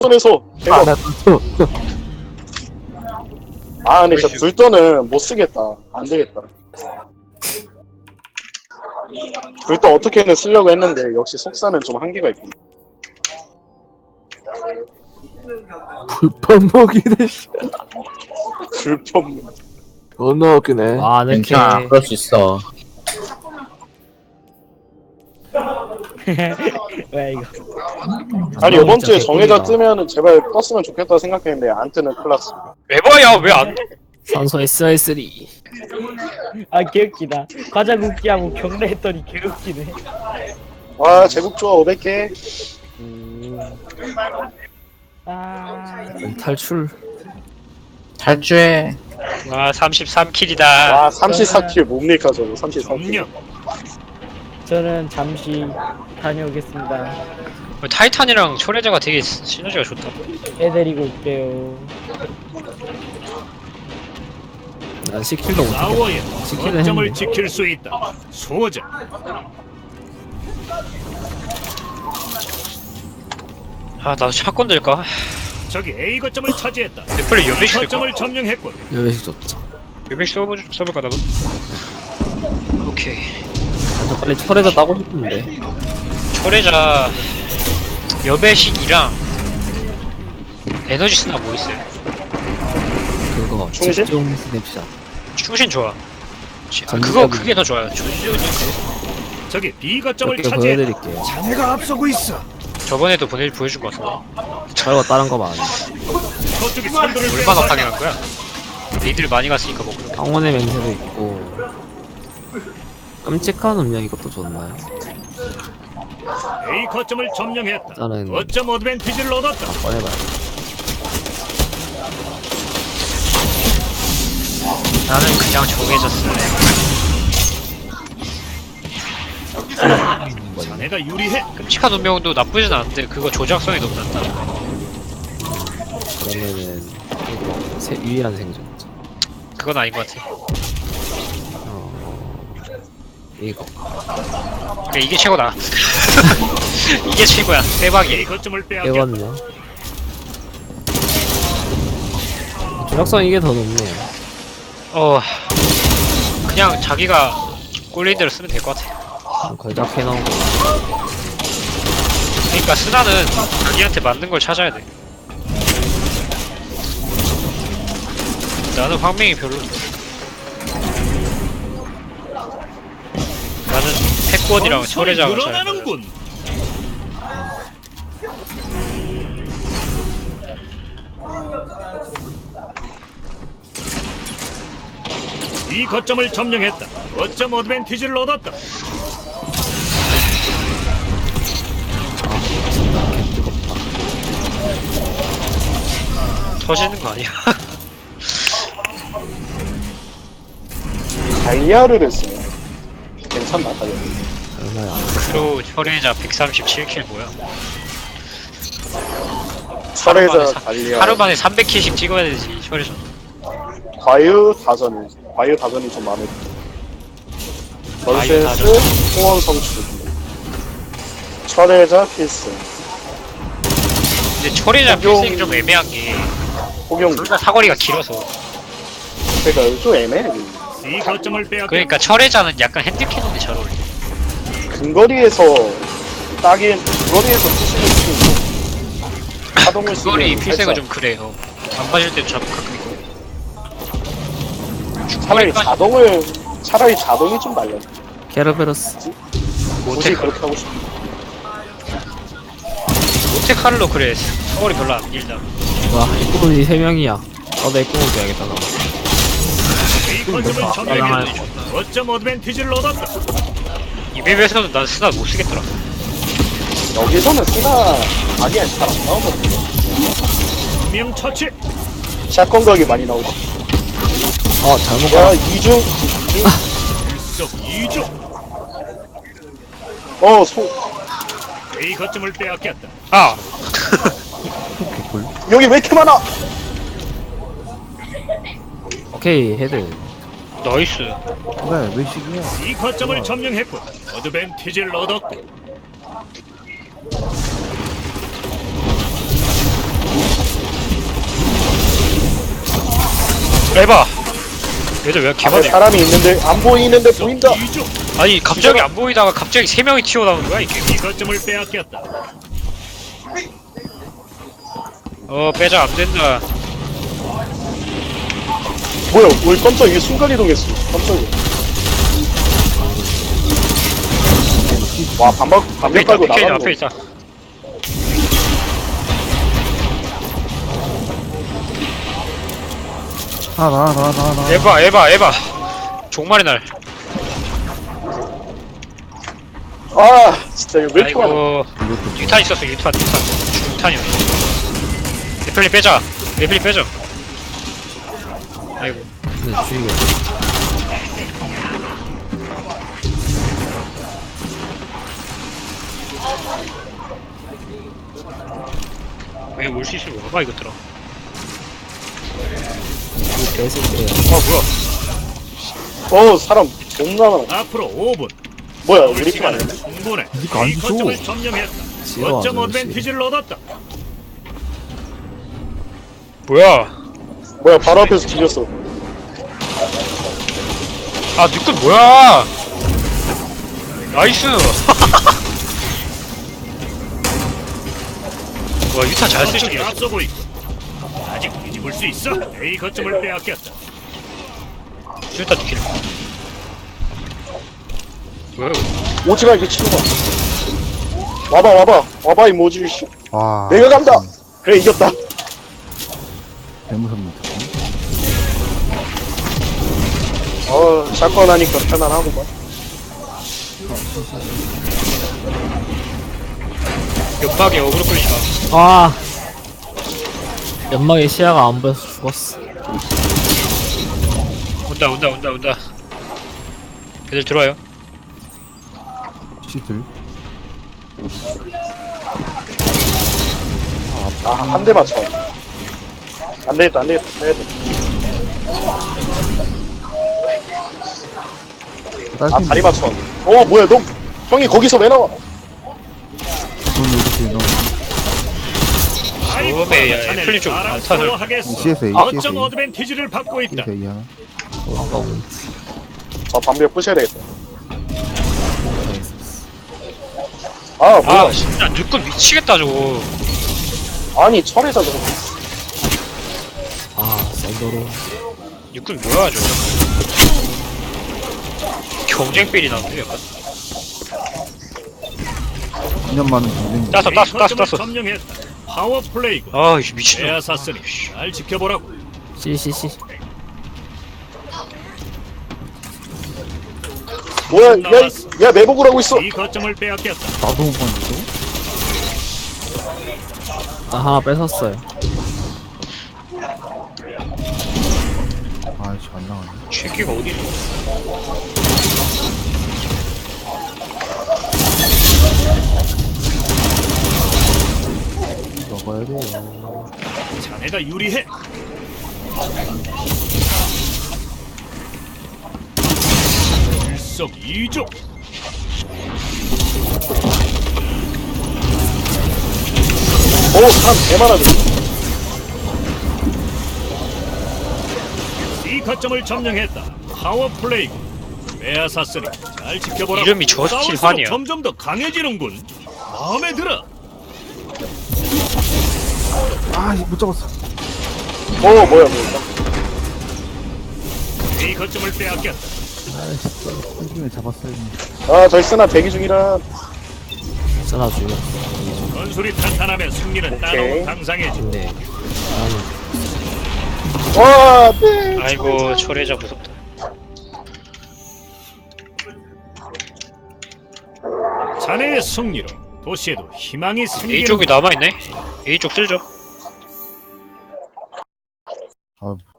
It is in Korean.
불돈에서 아, 대박. 나 또. 아 근데 진짜 불돈은 못 쓰겠다. 안 되겠다. 불돈 어떻게든 쓰려고 했는데 역시 속사는 좀 한계가 있고. 불판 먹이네, 씨. 불편. 너무 웃기네. 아, 이렇게. 괜찮아, 그럴 수 있어. 왜 이거? 아니 아, 이번 진짜 주에 정해져 개꿀이다. 뜨면은 제발 떴으면 좋겠다 생각했는데 안 뜨는 클라스. 에바야 왜 안? 산소 SR3. 아 개웃기다. 과자 굽기하고 경례했더니 개웃기네. 와 제국 좋아 500개. 아 탈출. 탈주해. 와 33킬이다. 와 34킬 뭡니까 저거 34킬. 저는 잠시 다녀오겠습니다. 타이탄이랑 초래자가 되게 시너지가 좋다. 애 데리고 올게요. 난 시킬도 못해. 싸워야 시키는 거점을 했는데. 지킬 수 있다. 소자. 아 나도 샷건 들까? 저기 A 거점을 차지했다. 애플이 B 연맥시 거점을 들까? 점령했군. 여배식 좋죠. 연맥시 써볼까 나도? 오케이. 저 빨리 철에다 따고 싶은데. 초래자 여배식이랑 에너지 스나 뭐 있어요? 그거 충실? 집중 스냅샷. 충신 좋아. 아, 전기적인- 그거 그게 더 좋아요. 전지적인 거. 저기 B 거점을 몇 개 차지했다. 보여드릴게요. 자네가 앞서고 있어. 저번에도 보여준 거 같은데. 저거 다른 거 많아. 저쪽이 선두를 얼마나 빼앗아. 강행한 거야? 니들 많이 갔으니까 뭐. 황혼의 맹세도 있고. 끔찍한 음량 이것도 좋나요? A 거점을 점령했다. 저는 거점 어드밴티지를 얻었다. 꺼내봐요. 나는 그냥 정해졌어. 자네가 유리해. 끔찍한 운명도 나쁘진 않은데 그거 조작성이 너무 낮다. 그러면은 이거 유일한 생존. 그건 아닌 것 같아. 이거. 그래, 이게 최고다. 이게 최고야. A 대박이야. 거점을 빼앗겼다. 빼거든요. 조작성 이게 더 높네요. 그냥 자기가 꼴린 대로 쓰면 될 것 같아. 걸작 해놓은 거. 그러니까 스나는 자기한테 맞는 걸 찾아야 돼. 나는 황맹이 별로인데. 나는 패권이랑 건설이 철회장을 잘 늘어나는군. 이 거점을 점령했다. 거점 어드밴티지를 얻었다. 터지는 거 아니야? 다이아를 쓰네. 괜찮나 다이아. 얼마야? 크로 철회자 137킬 뭐야? 철회자 다이아. 하루 만에 300킬씩 찍어야 되지 철회자. 과유 다전이 좀 마음에 들어. 과유 넌센스, 다전. 소원 성취. 철회자 필승. 근데 철회자 적용- 필승이 좀 애매한 게 폭용. 둘 다 사거리가 길어서. 그러니까 좀 애매해. 이 거점을 빼앗겼다. 그러니까 철회자는 약간 핸드캐논이 잘 어울려. 근거리에서 근거리에서 쓰시는 스킬도 하동을 쓰는 그거리 필승은 좀 그래요. 안 맞을 때도 잡고 가끔 있고. 차라리 자동이 좀 날려. 케르베로스. 굳이 그렇게 하고 싶어. 모테카를로 그래. 사거리 별로 안 길다. 와, 입구분이 3명이야. 나도 입구분 줘야겠다, 나. 이 거점을 점령했다. 거점 어드밴티지를 얻었다. 이 맵에서는 난 스나 못 쓰겠더라. 여기서는 쓰나 아니야 잘안 나오거든. 명 처치. 샷건 각이 많이 나오고. 잘못 야 가. 이중 일석이조. A 거점을 빼앗겼다. 아! 여기 왜 이렇게 많아? 오케이, 헤드. 나이스. 왜, 왜 식이야? 이 거점을 점령했군. 어드밴티지를 얻었고. 에바. 얘들 왜 이렇게 앞에 많아? 사람이 있는데 안 보이는데 보인다. 이쪽. 아니 갑자기 안 보이다가 갑자기 3명이 튀어나오는 거야 이게. 이 거점을 빼앗겼다. 빼자 안 된다. 뭐야? 우리 깜짝 이게 순간 이동했어. 깜짝이야. 와 반박 앞에 반박 있다. 깔고 PK 나가는 앞에 거. 있다. 나. 에바. 종말의 날. 아 진짜 이거 왜 이렇게 많아? 아이고. 유탄 있었어. 유탄이었어. 레플리 빼자. 레플리 빼자. 아이고. 근데 죽이게. 왜 올 수 있으면 와봐 이것들아. 이 개새끼야. 뭐야. 사람 존나 많아. 앞으로 5분. 뭐야 우리 팀 아니야? 충분해. 니가 안 A 줘. 거점을 점령했다. 싫어, 거점 아저씨. 어드밴티지를 얻었다. 뭐야. 뭐야 바로 앞에서 뒤졌어. 아 누군 뭐야. 나이스. 와 유탄 잘 쓸 저쪽이 줄이야. 앞서고 있고. 아직 뒤집을 수 있어. A 거점을 빼앗겼다. 유탄 킬. 뭐야 이거. 오지마 이게 치는 거야. 와봐 이 모질 씨. 와. 내가 간다. 그래 이겼다. 개무섭니다. 샷건 하니까 편안하구만. 연막에 어그로 끌리지 마. 아. 연막에 시야가 안 보여서 죽었어. 온다. 애들 들어와요. 시들. 한 대 맞춰. 안 되겠다. 다리 맞춰. 뭐야 너 형이 거기서 왜 나와? 이렇게 넣어. 처음에 야, 애플린 좀 알타를. CSA. 거점 어드밴티지를 받고 있다. CSA 하나. 반벽 부셔야 되겠다. 뭐야? 아 진짜 누군 미치겠다 저거. 아니 철에다 저거. 아, 썬더로. 누군 뭐야 저거. 경쟁필이 나는데 약간. 2년 많은 경쟁. 땄어. 거점을 점령했다. 파워 플레이고. 아 이씨 미친놈. 빼앗았으니 잘 지켜보라고. 씨씨씨. 뭐야? 야 매복을 하고 있어. 이 거점을 빼앗겼다. 나도 못 봤는데. 나 하나 뺏었어요. 아이씨 안 나가네. 새끼가 어디 있어? 먹어야 돼요. 자네가 유리해. 일석이조. 사람 개많아져. 이 거점을 점령했다. 파워 플레이고. 빼앗았으니 잘 지켜보라고. 이름이 저스틴 싸울수록 환이야. 점점 더 강해지는군. 마음에 들어. 못 잡았어. 뭐야. 이 거점을 빼앗겼다. 에 잡았어요. 저희 쓰나 대기 중이라. 쓰나 죽여. 건술이 탄탄하면 승리는 따로 당상해지. 근데 네. 아이고 철회자 무섭다. 자네의 승리로 도시에도 희망이 A 생기는. 쪽이 남아있네. A 쪽 쓸죠. 아